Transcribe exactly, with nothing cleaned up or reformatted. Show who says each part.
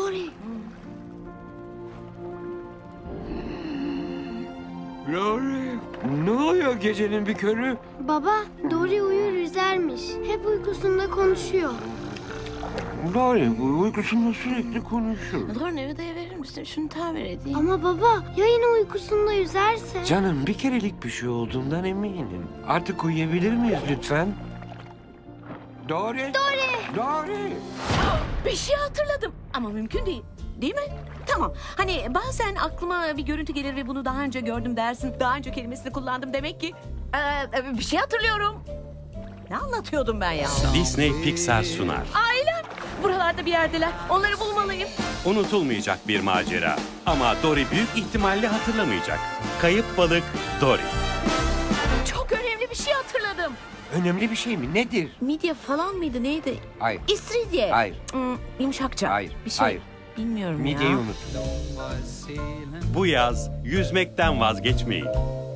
Speaker 1: Dory.
Speaker 2: Dory, ne oluyor gecenin bir körü?
Speaker 1: Baba, Dory uyur yüzermiş. Hep uykusunda konuşuyor.
Speaker 2: Dory bu uykusunda sürekli konuşuyor.
Speaker 3: Dory odaya verir misin? Şunu tamir edeyim.
Speaker 1: Ama baba, ya yine uykusunda yüzerse?
Speaker 2: Canım bir kerelik bir şey olduğundan eminim. Artık uyuyabilir miyiz lütfen? Dory!
Speaker 1: Dory!
Speaker 2: Dory!
Speaker 3: Bir şey hatırladım ama mümkün değil. Değil mi? Tamam. Hani bazen aklıma bir görüntü gelir ve bunu daha önce gördüm dersin. Daha önce kelimesini kullandım demek ki. Ee, bir şey hatırlıyorum. Ne anlatıyordum ben ya?
Speaker 4: Disney Pixar sunar.
Speaker 3: Ailem. Buralarda bir yerdeler. Onları bulmalıyım.
Speaker 4: Unutulmayacak bir macera. Ama Dory büyük ihtimalle hatırlamayacak. Kayıp balık Dory.
Speaker 3: Çok önemli bir şey hatırladım.
Speaker 2: Önemli bir şey mi? Nedir?
Speaker 3: Midye falan mıydı neydi?
Speaker 2: Hayır.
Speaker 3: İstiridye.
Speaker 2: Hayır.
Speaker 3: Hmm, yumuşakça.
Speaker 2: Hayır.
Speaker 3: Bir şey.
Speaker 2: Hayır.
Speaker 3: Bilmiyorum
Speaker 2: Midyeyi
Speaker 3: ya.
Speaker 2: unut.
Speaker 4: Bu yaz yüzmekten vazgeçmeyin.